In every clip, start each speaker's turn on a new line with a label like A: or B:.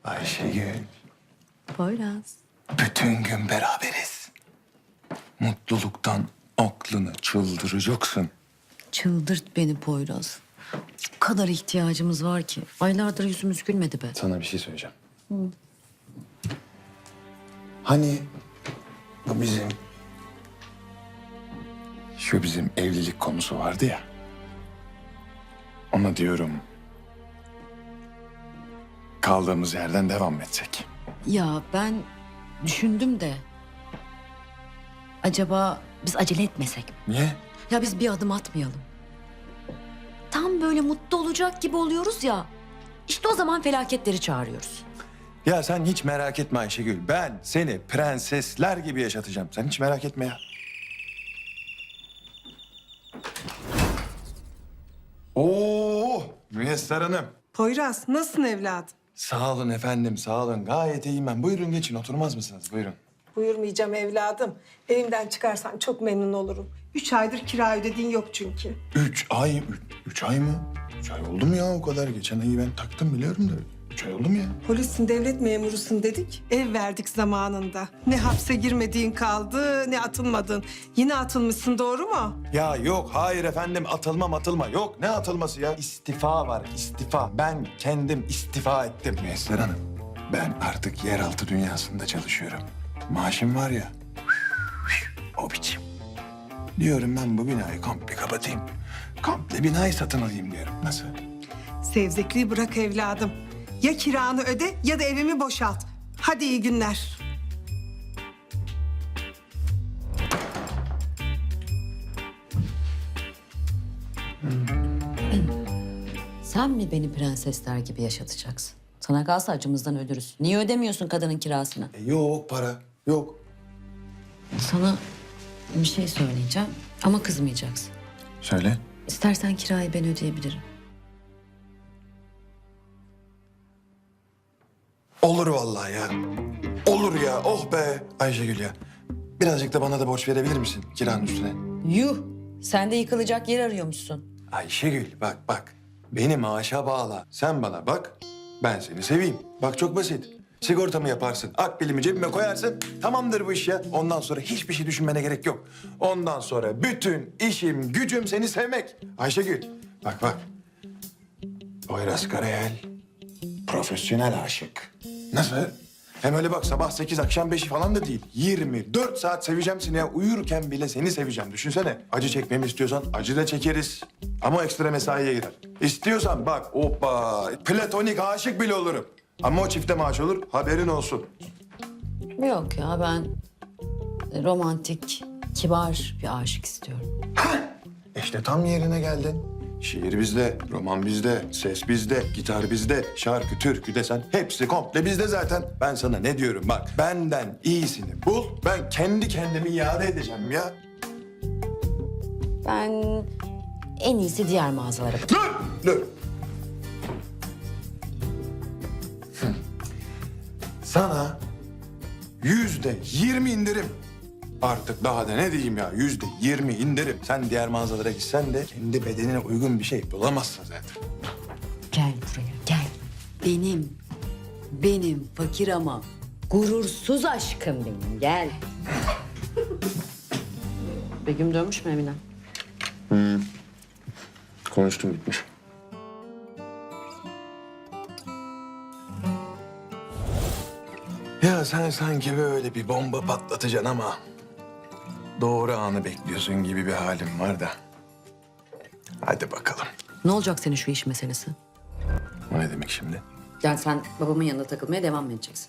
A: Ayşegül,
B: Poyraz.
A: bütün gün beraberiz. Mutluluktan aklını çıldıracaksın.
B: Çıldırt beni Poyraz. O kadar ihtiyacımız var ki. Aylardır yüzümüz gülmedi be.
A: Sana bir şey söyleyeceğim. Hani bu bizim... Şu bizim evlilik konusu vardı ya. Ona diyorum... Kaldığımız yerden devam etsek.
B: Ya ben düşündüm de... Acaba biz acele etmesek mi?
A: Niye?
B: Ya biz bir adım atmayalım. Tam böyle mutlu olacak gibi oluyoruz ya. İşte o zaman felaketleri çağırıyoruz.
A: Ya sen hiç merak etme Ayşegül. Ben seni prensesler gibi yaşatacağım. Sen hiç merak etme ya. Oo, Müyesser Hanım.
C: Poyraz, nasılsın evladım?
A: Sağ olun efendim, sağ olun. Gayet iyiyim ben. Buyurun geçin, oturmaz mısınız? Buyurun.
C: Buyurmayacağım evladım. Evimden çıkarsan çok memnun olurum. 3 aydır kira ödediğin yok çünkü.
A: 3 ay, 3 ay mı? 3 ay oldu mu ya o kadar? Geçen ayı ben taktım biliyorum da. 3 ay oldu mu ya?
C: Polissin, devlet memurusun dedik. Ev verdik zamanında. Ne hapse girmediğin kaldı, ne atılmadın. Yine atılmışsın, doğru mu?
A: Ya yok, hayır efendim. Atılma. Yok, ne atılması ya? İstifa var, istifa. Ben kendim istifa ettim. Müyesser Hanım, ben artık yeraltı dünyasında çalışıyorum. Maaşım var ya, o biçim. Diyorum ben bu binayı komple kapatayım. Komple binayı satın alayım diyorum. Nasıl?
C: Sevzekliği bırak evladım. Ya kiranı öde ya da evimi boşalt. Hadi iyi günler.
B: Sen mi beni prensesler gibi yaşatacaksın? Sana kalsa acımızdan ölürüz. Niye ödemiyorsun kadının kirasını?
A: Yok para, yok.
B: Sana bir şey söyleyeceğim ama kızmayacaksın.
A: Söyle.
B: İstersen kirayı ben ödeyebilirim.
A: Olur vallahi ya. Olur ya, oh be Ayşegül ya. Birazcık da bana da borç verebilir misin kiranın üstüne?
B: Yuh! Sen de yıkılacak yer arıyormuşsun.
A: Ayşegül bak. Beni maaşa bağla. Sen bana bak, ben seni seveyim. Bak çok basit. Sigortamı yaparsın, akbilimi cebime koyarsın. Tamamdır bu iş ya. Ondan sonra hiçbir şey düşünmene gerek yok. Ondan sonra bütün işim, gücüm seni sevmek. Ayşegül, bak. Poyraz Karayel, profesyonel aşık. Nasıl? Hem öyle bak sabah 8 akşam 5 falan da değil. 24 saat seveceğim seni ya. Uyurken bile seni seveceğim. Düşünsene. Acı çekmemi istiyorsan acı da çekeriz. Ama ekstra mesaiye girer. İstiyorsan bak hoppa platonik aşık bile olurum. Ama o çifte maaş olur haberin olsun.
B: Yok ya ben romantik, kibar bir aşık istiyorum.
A: İşte tam yerine geldin. Şiir bizde, roman bizde, ses bizde, gitar bizde, şarkı, türkü desen hepsi komple bizde zaten. Ben sana ne diyorum bak, benden iyisini bul, ben kendi kendimi iade edeceğim ya.
B: Ben en iyisi diğer mağazalara bakayım.
A: Dur. Sana %20 indirim. Artık daha da ne diyeyim ya, %20 indirim. Sen diğer mağazalara gitsen de kendi bedenine uygun bir şey bulamazsın zaten.
B: Gel buraya gel. Benim fakir ama gurursuz aşkım benim gel. Begüm dönmüş mü Emine?
A: Konuştum bitmiş. Ya sen sanki böyle bir bomba patlatacaksın ama doğru anı bekliyorsun gibi bir halim var da. Hadi bakalım.
B: Ne olacak senin şu iş meselesi?
A: O ne demek şimdi?
B: Yani sen babamın yanında takılmaya devam mı edeceksin?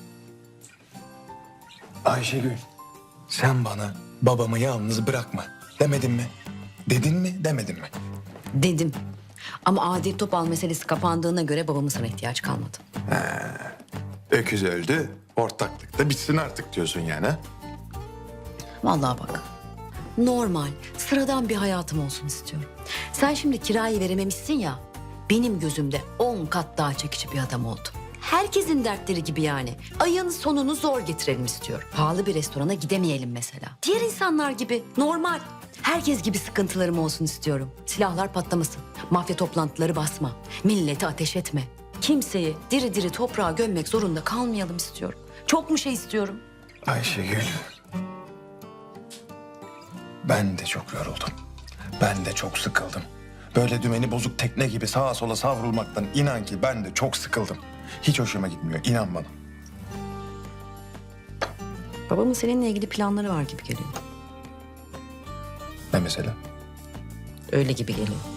A: Ayşegül, sen bana babamı yalnız bırakma demedin mi? Dedin mi, demedin mi?
B: Dedim. Ama Adil Topal meselesi kapandığına göre babamın sana ihtiyacı kalmadı.
A: Öküz öldü, ortaklık da bitsin artık diyorsun yani ha?
B: Vallahi bak. Normal, sıradan bir hayatım olsun istiyorum. Sen şimdi kirayı verememişsin ya. Benim gözümde 10 kat daha çekici bir adam oldum. Herkesin dertleri gibi yani. Ayın sonunu zor getirelim istiyorum. Pahalı bir restorana gidemeyelim mesela. Diğer insanlar gibi normal. Herkes gibi sıkıntılarım olsun istiyorum. Silahlar patlamasın. Mafya toplantıları basma. Milleti ateş etme. kimseyi diri diri toprağa gömmek zorunda kalmayalım istiyorum. Çok mu şey istiyorum?
A: Ayşegül. Ben de çok yoruldum. Ben de çok sıkıldım. Böyle dümeni bozuk tekne gibi sağa sola savrulmaktan inan ki ben de çok sıkıldım. Hiç hoşuma gitmiyor, inan bana.
B: Babamın seninle ilgili planları var gibi geliyor.
A: Ne mesela?
B: Öyle gibi geliyor.